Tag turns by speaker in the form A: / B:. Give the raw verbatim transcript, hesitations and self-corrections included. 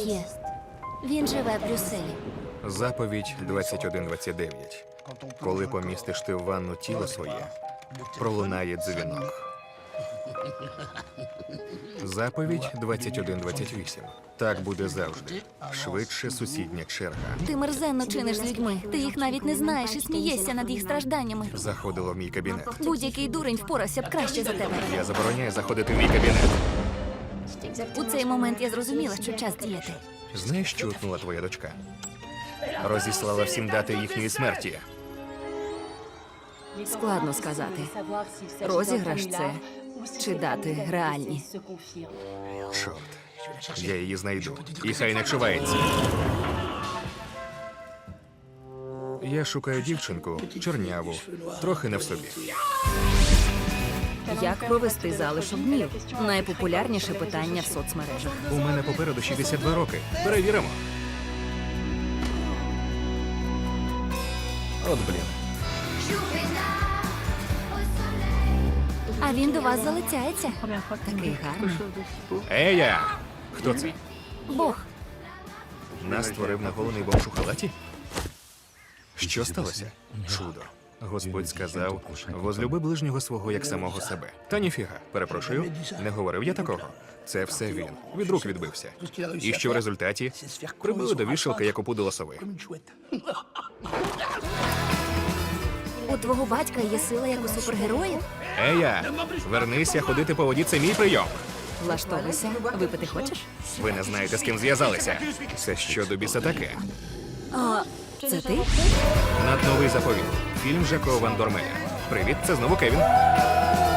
A: Є. Він живе в Брюсселі.
B: Заповідь двадцять один двадцять дев'ять. Коли помістиш ти в ванну тіло своє, пролунає дзвінок. Заповідь двадцять один двадцять вісім. Так буде завжди. Швидше сусідня черга.
A: Ти мерзенно чиниш з людьми. Ти їх навіть не знаєш і смієшся над їх стражданнями.
B: Заходила в мій кабінет.
A: Будь-який дурень впорався б краще за тебе.
B: Я забороняю заходити в мій кабінет.
A: У цей момент я зрозуміла, що час діяти.
B: Знаєш, що утнула твоя дочка? Розіслала всім дати їхньої смерті.
C: Складно сказати. Розіграш це чи дати реальні.
B: Чорт. Я її знайду. І хай не чувається. Я шукаю дівчинку, чорняву, трохи не в собі.
C: Як провести залишок днів? Найпопулярніше питання в соцмережах.
B: У мене попереду шістдесят два роки. Перевіримо. От блін.
A: А він до вас залицяється.
C: Такий гарний.
B: Ея! Хто це?
A: Бог.
B: Нас створив наголений бомж у халаті? Що сталося? Чудо. Господь сказав, возлюби ближнього свого як самого себе. Та ніфіга, перепрошую, не говорив я такого. Це все він. Від рук відбився. І що в результаті? Прибили до вішалки, як опудило сови.
A: У твого батька є сила, як у супергероїв?
B: Ея! Вернися ходити по воді, це мій прийом.
C: Влаштовуйся. Випити хочеш?
B: Ви не знаєте, з ким зв'язалися. Це що до біса таке?
C: А, це ти?
B: Надновий заповіт. Фільм Жако Ван Дормеля. Привіт, це знову Кевін.